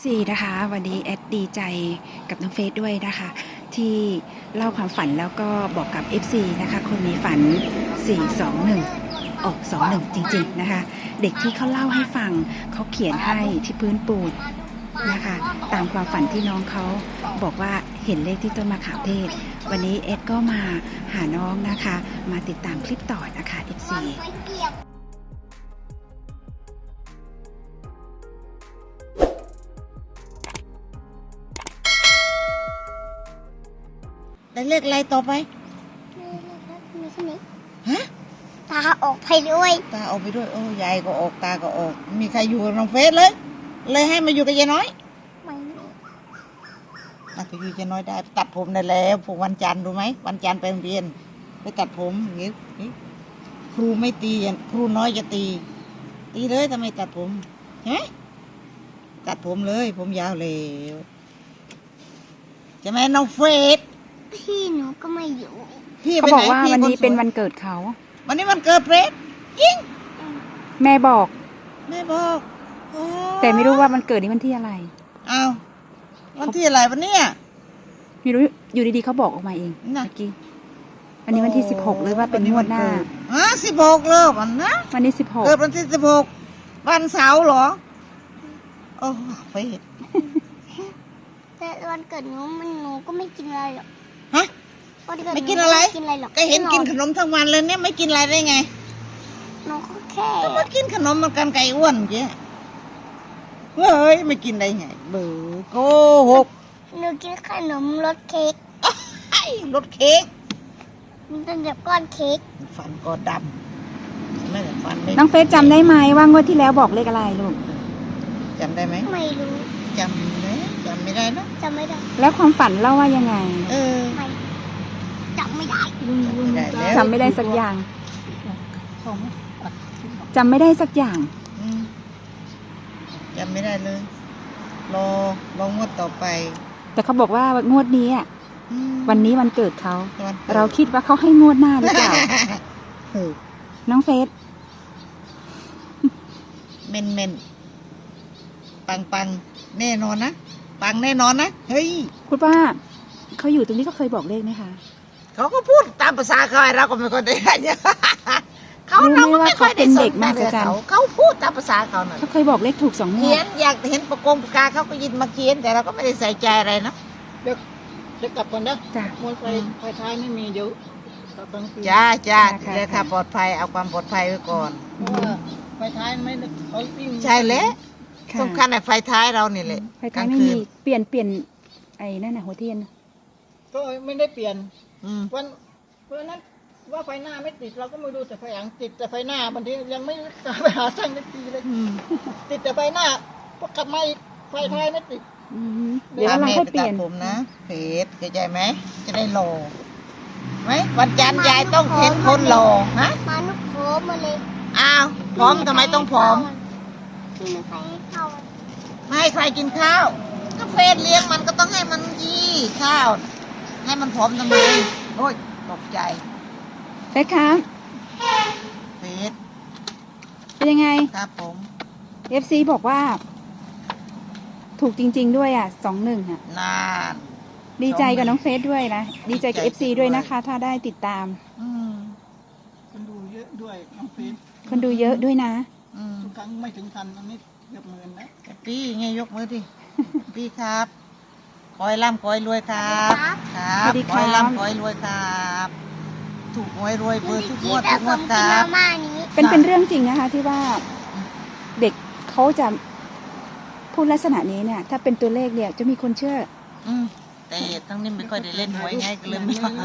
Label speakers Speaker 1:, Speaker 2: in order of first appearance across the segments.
Speaker 1: FC นะคะวันนี้แอดดีใจกับน้องเฟซด้วยนะคะที่เล่าความฝันแล้วก็บอกกับ FC นะคะคนมีฝัน421ออก21จริงๆนะคะเด็กที่เขาเล่าให้ฟังเขาเขียนให้ที่พื้นปูนนะคะตามความฝันที่น้องเขาบอกว่าเห็นเลขที่ต้นมะขามเทศวันนี้แอดก็มาหาน้องนะคะมาติดตามคลิปต่อนะคะ FC
Speaker 2: ได้เลขอะไรต่อไป
Speaker 3: มีแค่นี้
Speaker 2: ฮะ
Speaker 3: ตาออกไปด้วย
Speaker 2: ตาออกไปด้วยโอ้ยายก็ออกตาก็ออกมีใครอยู่กับน้องเฟสเลยให้มาอยู่กับยายน้อย
Speaker 3: ไม่มี
Speaker 2: น่าจะอยู่ยายน้อยได้ตัดผมได้แล้วพวกวันจันทร์รู้ไหมวันจันทร์ไปโรงเรียนไปตัดผมอย่างนี้ครูไม่ตีครูน้อยจะตีเลยทำไมตัดผมใช่ไหมตัดผมเลยผมยาวเลยใช่ไหมน้องเฟส
Speaker 3: พี่หนูก็ไม่อยู่
Speaker 2: พี่
Speaker 1: เขา
Speaker 2: ไป
Speaker 1: บ
Speaker 2: ไห
Speaker 1: อน กว่า
Speaker 2: พี่
Speaker 1: วันนี้
Speaker 2: คสย
Speaker 1: เป็นวันเกิดเขา
Speaker 2: วันนี้วันเกิดเฟสยิง
Speaker 1: แม่บอก
Speaker 2: แม่บอกอ๋อ
Speaker 1: แต่ไม่รู้ว่ามันเกิดนี้วันที่อะไร
Speaker 2: อ้าววันที่อะไรวันเนี้ย
Speaker 1: ไม่รู้อยู่ดีๆเขาบอกออกมาเอง
Speaker 2: น่ะ
Speaker 1: เมื่อกี้วันนี้วันที่16หรือว่าเป็นงวดหน้า
Speaker 2: 16เลยวันนะ
Speaker 1: วันนี้
Speaker 2: เกิดวันที่16วันเสาร์เหรอโอ้เฟส
Speaker 3: แต่วันเกิดหนูก็ไม่กินอะไรหรอก
Speaker 2: ฮะ
Speaker 3: วันเกิดห
Speaker 2: ไม่กินอะไร
Speaker 3: ไม่กินอะไรหรอก
Speaker 2: ก็เห็นกินขนมทั้งวันเลยเนี่ยไม่กินอะไรได้ไง
Speaker 3: หนูก็แค่
Speaker 2: ก็มากินขนมเหมันกันไก่อ้วนเกี้ยเฮ้ยไม่กินได้ไงเบื่อโกหก
Speaker 3: หนูกินขนมรสเค้ก
Speaker 2: ไอ้รสเค้ก
Speaker 3: มันเป็นแบบก้อนเค้ก
Speaker 2: ฟันก็ดำไม่แต่ฟันไม่
Speaker 1: น้องเฟซจำได้ไหมว่างวดที่แล้วบอกเลขอะไรลูก
Speaker 2: จำได้ไหม
Speaker 3: ไม่รู้
Speaker 2: จำไหมจำไม่ได้นะ
Speaker 3: จำไม่ได้
Speaker 1: แล้วความฝันเล่าว่ายังไง
Speaker 2: เออ
Speaker 3: ไม่จำไม่ได้
Speaker 2: จำไม่ได้แล้ว
Speaker 1: จำไม่ได้สักอย่างจำไม่ได้สักอย่าง
Speaker 2: อืมจำไม่ได้เลย รองวดต่อไป
Speaker 1: แต่เขาบอกว่างวดนี้อะ
Speaker 2: อืม
Speaker 1: วันนี้วันเกิดเขา
Speaker 2: วันกิด
Speaker 1: เราคิดว่าเขาให้งวดหน้าหรือเปล่า
Speaker 2: เออ
Speaker 1: น้องเฟซ
Speaker 2: เมนปังแน่นอนนะปังแน่นอนนะเฮ้ย
Speaker 1: คุณป้าเขาอยู่ตรงนี้เขาเคยบอกเลขไหมคะ
Speaker 2: เขาก็พูดตามภาษาเขาเราก็ไม่ค่อยได้เนี่ยเขา
Speaker 1: รู้ไหม
Speaker 2: เราก็
Speaker 1: ว่า
Speaker 2: ไม่ค่อยได้
Speaker 1: เขาเป็นเด็ก
Speaker 2: สน
Speaker 1: มหัศจรรย์
Speaker 2: เขาพูดตามภาษาเขาน่ะ
Speaker 1: เขาเคยบอกเลขถูก2 ง
Speaker 2: เขี
Speaker 1: วย ด
Speaker 2: นอยากเห็นประกาเขาก็ยินมาเขียนแต่เราก็ไม่ได้ใส่ใจอะไรนะ
Speaker 4: เดี๋ยวกลับก่อนนะ
Speaker 1: จ้ะ
Speaker 4: มวยไฟท้ายไม่มีเดี๋ยวกลับกลางคืน
Speaker 2: จ้า
Speaker 1: ค่ะ
Speaker 2: เลยค่ะปลอดภัยเอาความปลอดภัยไว้ก่อน
Speaker 4: เพราะว่าไฟท้ายไม่ได้เขาวิ่ง
Speaker 2: ใช่แล้ว
Speaker 1: ค่ะ
Speaker 2: สำคัญไอ้ไฟท้ายเรานี่แหละ
Speaker 1: ไฟท้ายไม่มีเปลี่ยนไอ้นั่นน่ะหัวเทียน
Speaker 4: ก็ไม่ได้เปลี่ยน
Speaker 2: อืม
Speaker 4: วันนั้นว่าไฟหน้าไม่ติดเราก็ไม่ดูแต่ไฟหลังติดแต่ไฟหน้าบางทียังไม่กล้าไปหาช่างนาทีเลย
Speaker 2: อืม
Speaker 4: ติดแต่ไฟหน้าพอกลับมาอีกไฟท้ายไม่ติด
Speaker 1: เดี๋ยวเรา
Speaker 2: แม่
Speaker 1: ค่อย
Speaker 2: ไป
Speaker 1: เปลี่
Speaker 2: ตั
Speaker 1: ย
Speaker 2: ด
Speaker 1: น
Speaker 2: ผมนะเพจเข้าใจไหมจะได้หล่อไหมวันจันทร์ยายต้องเห็นคนหล่อฮะ
Speaker 3: มานุกโผล่มาเลย
Speaker 2: อ้าวพร้อมทำไมต้องผอม
Speaker 3: พี่ไม่ใครให้เข้า
Speaker 2: ไม่ให้ใครกินข้าวก็เฟซเลี้ยงมันก็ต้องให้มันยี่ข้าว ให้มันผอมทำไมโอ้ยตกใจ
Speaker 1: เฟซครับ
Speaker 2: เฟซ
Speaker 1: เป็นยังไง
Speaker 2: ครับผม
Speaker 1: FC บอกว่า ถูกจริงๆด้วยอ่ะ21อ่ะ
Speaker 2: นาน
Speaker 1: ดีใจกับน้องเฟซด้วยนะ ดีใจกับ
Speaker 2: ดีใจ
Speaker 1: FC ด้วยนะคะ ถ้าได้ติดตาม
Speaker 2: อืม
Speaker 4: คนดูเยอะด้วยน้องเฟซ
Speaker 1: คนดูเยอะด้วยนะ
Speaker 2: อืม
Speaker 4: ทุกครั้งไม่ถึงพันอันนี้เกือบ10,000นะ
Speaker 2: พี่ไงยกมือดิพี่ครับขอให้ร่ำขอให้รวยครับครับ
Speaker 1: สวัสดี
Speaker 2: ขอให้
Speaker 1: ครับ
Speaker 2: ร่ำขอให้รวยครับ ถูกหวยรวยเบอร์ทุกงวด
Speaker 3: แต่
Speaker 2: ทุกง
Speaker 3: ผ
Speaker 2: ว
Speaker 3: ม
Speaker 2: ด
Speaker 3: กิ
Speaker 2: คน รับ
Speaker 3: มาม่านี้
Speaker 1: เป็นเรื่องจริงนะคะ ที่ว่าเด็กเขาจะพูดลักษณะนี้เนี่ย ถ้าเป็นตัวเลขเนี่ยจะมีคนเชื่อ
Speaker 2: อืมแต่ทั้งนี้ไม่ค่อยได้เล่นหวยไงก็เลยไม่ค่อย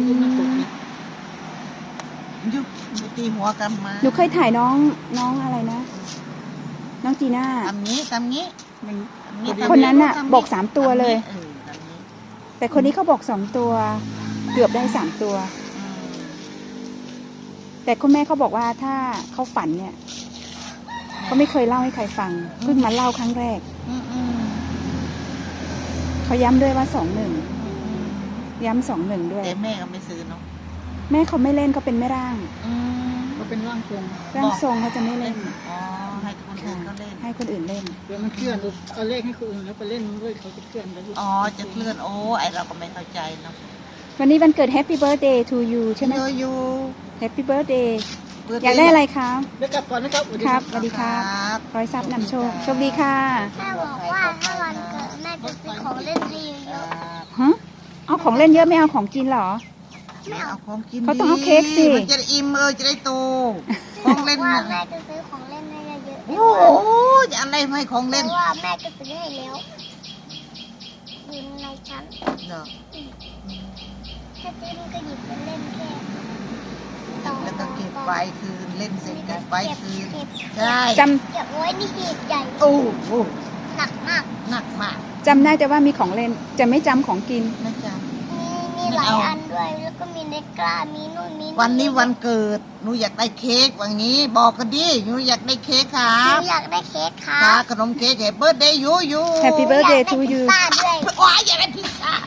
Speaker 2: ยุบไปตีหัวกันมา
Speaker 1: หนูเคยถ่ายน้องอะไรนะ น้องจีน่า
Speaker 2: ทำงี้ทำงี้
Speaker 1: คนนั้นน่ะบอก3 ตัวเลย
Speaker 2: ทำงี้
Speaker 1: แต่คนนี้เขาบอก2 ตัว เกือบได้3 ตัว
Speaker 2: อืม
Speaker 1: แต่คุณแม่เขาบอกว่าถ้าเขาฝันเนี่ยเขาไม่เคยเล่าให้ใครฟังเพิ่งมาเล่าครั้งแรก
Speaker 2: อืมอืม
Speaker 1: เขาย้ำด้วยว่า21
Speaker 2: อืม
Speaker 1: ย้ำ21ด้วย
Speaker 2: แต่แม่ก็ไม่ซื้อเนาะ
Speaker 1: แม่เขาไม่เล่นเขาเป็นแม่ร่าง
Speaker 2: อืม
Speaker 4: ก็เป็นร่างทรง
Speaker 1: ร่างทรงเขาจะไม่เล่น
Speaker 2: อ๋อให้ทุกคนคนอื่นเขาเล่น
Speaker 1: ให้คนอื่นเล่น
Speaker 4: เดี๋ยวมันเคลื่อนลูกเอาเลขให้คนอื่นแล้วไปเล่นด้วยเขาจะเคลื่อนแล้วลูก
Speaker 2: อ๋อจะเคลื่อนโอ้ไอเราก็ไม่เข้าใจเนาะ
Speaker 1: วันนี้วันเกิด Happy Birthday to you ใช่ไหม
Speaker 2: อยู่
Speaker 1: Happy Birthday อยากได้อะไรคะ
Speaker 4: เดี๋ยวกลับก่อนนะครับ
Speaker 1: ครับสวัสดีครับ ร้อยทรัพย์นำโชค โชคดีค่ะ
Speaker 3: แม่บอกว่าถ้าวันเกิดแม่จะซื้อของเล่นให้เยอะ
Speaker 1: ฮะ เอาของเล่นเยอะไม่เอาของกินเหรอ
Speaker 2: ไม่เอาของกิน
Speaker 1: เขาต้องเอาเค้กสิ
Speaker 2: มันจะได้อิ่มจะได้โต
Speaker 3: ๆ
Speaker 2: ของเล่น
Speaker 3: ว่า
Speaker 2: น่ะ
Speaker 3: แม่จะซื้อของเล่นให้เยอะๆ
Speaker 2: โอ้โหจะอะไรไม่ของ
Speaker 3: เพ
Speaker 2: เล่น
Speaker 3: ราะว่าแม่ก็ซื้อให้แล้วอยู่ในชั้น
Speaker 2: เนาะ
Speaker 3: ถ้าซื้อมันก็หยิบไปเล่นแค่ต่อ
Speaker 2: แล้วก็เก็บไว้คืนเล่นเสร็จเก็บไว้คืน
Speaker 3: เก็บ
Speaker 2: ใช่
Speaker 1: จ
Speaker 3: เก็บไว้นี่หีบใหญ่
Speaker 2: โอ้โห
Speaker 3: หนักมาก
Speaker 2: หนักมาก
Speaker 1: ำจำได้แต่ว่ามีของเล่น จะไม่จำของกิน
Speaker 2: นะจ๊ะ
Speaker 3: มีหลายอันด้วย แล้วก็มีเนกล้ามีนู่นมี
Speaker 2: วันนี้วันเกิดหนูอยากได้เค้กวันนี้บอกกันดิหนูอยากได้เค้กครั
Speaker 3: หนู
Speaker 2: บ
Speaker 3: อยากได้เค้กครั
Speaker 2: ค่ะ
Speaker 3: บ
Speaker 2: ขนมเค้กแฮปเบิร์ดเดย์ยู
Speaker 1: Happy
Speaker 3: อยาก
Speaker 1: Birthday
Speaker 3: ได้
Speaker 1: to
Speaker 3: พิซ
Speaker 1: you
Speaker 3: ซ่าด้วย
Speaker 2: ว้ายอยากได้พิซซ่า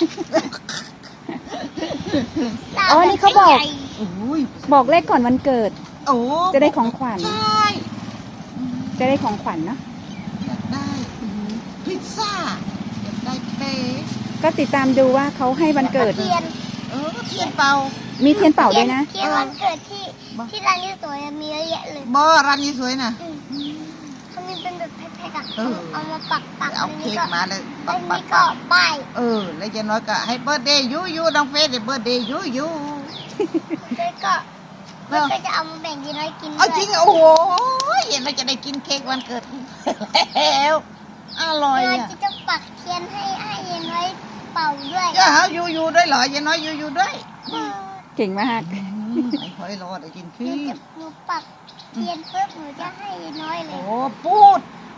Speaker 1: อ๋อนี่เขาบอก
Speaker 2: โอ้ย
Speaker 1: บอกเลขก่อนวันเกิด
Speaker 2: โอ้
Speaker 1: จะได้ของขวัญ
Speaker 2: ใช่อืม
Speaker 1: จะได้ของขวัญเนาะ
Speaker 2: อยากได้พิซซ่าอยากได้เค้ก
Speaker 1: ก็ติดตามดูว่าเขาให้วันเกิด
Speaker 3: เทียน
Speaker 2: เทียนเป่า
Speaker 1: มีเทียนเป่าด้วยนะ
Speaker 3: เทียนวันเกิดที่ร้านนี้สวยอะมีเยอะแยะเลย
Speaker 2: บอร้านนี้สวยนะ
Speaker 3: เขามีเป็นแบบแพ็คๆอะ
Speaker 2: เออ
Speaker 3: เอามาปักๆ
Speaker 2: เอาเค้กมาเลย
Speaker 3: แล้
Speaker 2: ปั
Speaker 3: ว
Speaker 2: ก
Speaker 3: นี่
Speaker 2: ปัก
Speaker 3: ก็ป้าย
Speaker 2: แล้วจะน้อยก็ให้เบิร์ดเดย์ยูน้องเฟสเบิร์ดเดย์ยู
Speaker 3: แล้วก็มันก็จะเอามาแบ่งยีน้อยกินด้
Speaker 2: เอา
Speaker 3: วย
Speaker 2: จริงโอ้โหเห็นเราจะได้กินเค้กวันเกิดแล้วอร่อย
Speaker 3: เรา
Speaker 2: อ่ะ
Speaker 3: จะปักเทียนให้ยีน้อยเป่าด้วย
Speaker 2: จะหายูด้วยเหรอยังน้อยยูด้วย
Speaker 1: เก่งมาก
Speaker 2: ไม่ค่อยรอได้กิน
Speaker 3: ห
Speaker 2: ขี้
Speaker 3: นูปักเทียนปุ๊บหนูจะให้ยีน้อยเล
Speaker 2: โอ้
Speaker 3: ย
Speaker 2: พูด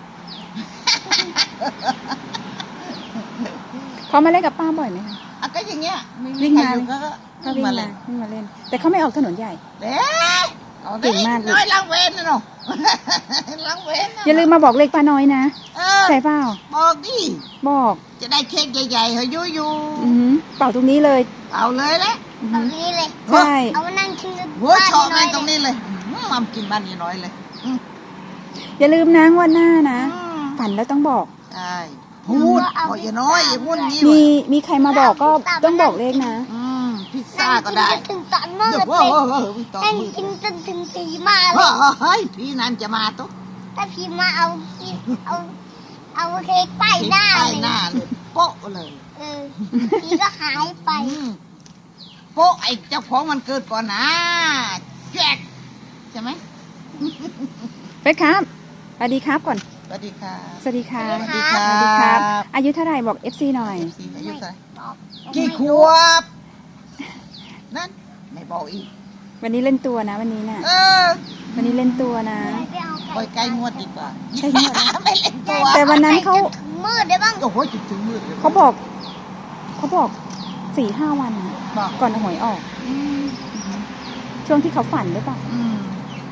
Speaker 1: เขามาเล่นกับป้าบ่อยไหมคะ
Speaker 2: อ่ะก็อย่างเงี้ยไม่
Speaker 1: วิ่
Speaker 2: มี
Speaker 1: ง
Speaker 2: ใคร
Speaker 1: มา
Speaker 2: อยู่ก็
Speaker 1: เขาวิ่ง
Speaker 2: มา
Speaker 1: มา
Speaker 2: เลย
Speaker 1: วิ่งมาเล่น แต่เขาไม่ออกถนนใหญ่
Speaker 2: เด้เอา
Speaker 1: เก่งมากเลย
Speaker 2: น้อยล้างเว้นนะเนาะล้างเว้นนะ
Speaker 1: อย่าลืมมาบอกเลขป้าน้อยนะ
Speaker 2: เออ
Speaker 1: ใช่เปล่า
Speaker 2: บอกดิ
Speaker 1: บอก
Speaker 2: จะได้เค้กใหญ่ๆเหรอยู
Speaker 1: อือหือเป่าตรงนี้เลย
Speaker 2: เอาเลยแหละ
Speaker 1: อือ
Speaker 3: ตร
Speaker 1: หื
Speaker 3: ง
Speaker 1: อ
Speaker 3: นี้เลย
Speaker 1: ใช่
Speaker 3: เอามานั่งกินกัน
Speaker 2: เว้ยชอบ
Speaker 3: บ้า
Speaker 2: นั่
Speaker 3: น
Speaker 2: งตรง
Speaker 3: ยี
Speaker 2: นี้เลยมัมกินบ้านนี้น้อยเลย
Speaker 1: อย่าลืมนะงวันหน้านะ
Speaker 2: อืม
Speaker 1: ฝันแล้วต้องบอก
Speaker 2: ใช่พูดบอกอย่าน้อยอย่าพูดอย่างนี้
Speaker 1: มี
Speaker 2: ว่ะ
Speaker 1: มีใครมาบอกก็ต้องบอกเลขนะ
Speaker 2: พิซ
Speaker 3: นั่
Speaker 2: ซ่าง ก็
Speaker 3: กิน
Speaker 2: ได้
Speaker 3: จนถึงตอนมืด
Speaker 2: เดี๋ยว
Speaker 3: เล
Speaker 2: โอ้
Speaker 3: ย
Speaker 2: โหตอน
Speaker 3: นั่ง
Speaker 2: มืด
Speaker 3: กินจนถึงตีมาเลย
Speaker 2: เฮ้ยพี่นันจะมาตุ๊ก
Speaker 3: ถ้าพี่มาเอาเอาเค้กป้ายหน้า
Speaker 2: ไป
Speaker 3: เลย
Speaker 2: หน้าเลยโป๊ะเลย
Speaker 3: เออพี่ก็หายไป
Speaker 2: โป๊ะไอ้เจ้าของมันเกิดก่อนนะแจกใช่ไหม
Speaker 1: เฟซครับสวัสดีครับก่อน
Speaker 2: สวัสดีค่ะ
Speaker 1: สวัสดีค่ะ
Speaker 3: สวัสดี
Speaker 1: สวัสดีครับ อายุเท่าไหร่บอก FC หน่อย
Speaker 2: อายุเท่าไหร่
Speaker 3: บอก
Speaker 2: กี่ขวบนั่นไม่บอกอีก
Speaker 1: วันนี้เล่นตัวนะวันนี้น่ะ
Speaker 2: เออ
Speaker 1: วันนี้เล่นตัวนะ
Speaker 3: ไปเอา
Speaker 2: ปล่อยไกลงวดดีกว่า
Speaker 1: ใช่งวดนะ
Speaker 2: ไม่เล่นตัว
Speaker 1: แต่วันนั้นเขา
Speaker 3: ถึงมืดได้บ้าง
Speaker 2: โอ้โหจุดถึงมืดเลย
Speaker 1: เขาบอก4-5 วันนะ
Speaker 2: บอก
Speaker 1: ก่อนหวยออก
Speaker 2: อืม
Speaker 1: ช่วงที่เขาฝันหรือเปล่า
Speaker 2: อืม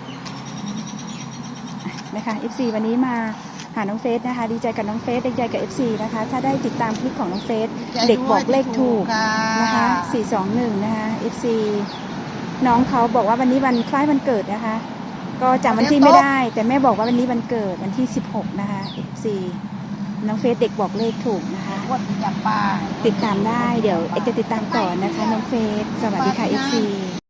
Speaker 1: นะคะ FC วันนี้มาหาน้องเฟสนะคะ ดีใจกับน้องเฟสดีใจกับ FC นะคะ ถ้าได้ติดตามคลิปของน้องเฟสเด็กบอกเลขถูกนะคะ421นะคะ FC น้องเขาบอกว่าวันนี้วันคล้ายวันเกิดนะคะ ก็จำวันที่ไม่ได้ แต่แม่บอกว่าวันนี้วันเกิดวันที่16นะคะ FC น้องเฟสเด็กบอกเลขถูกนะคะ
Speaker 2: วดจับปลา
Speaker 1: ติดตามได้เดี๋ยวเอ็กจะติดตามต่อนะคะน้องเฟสสวัสดีค่ะ FC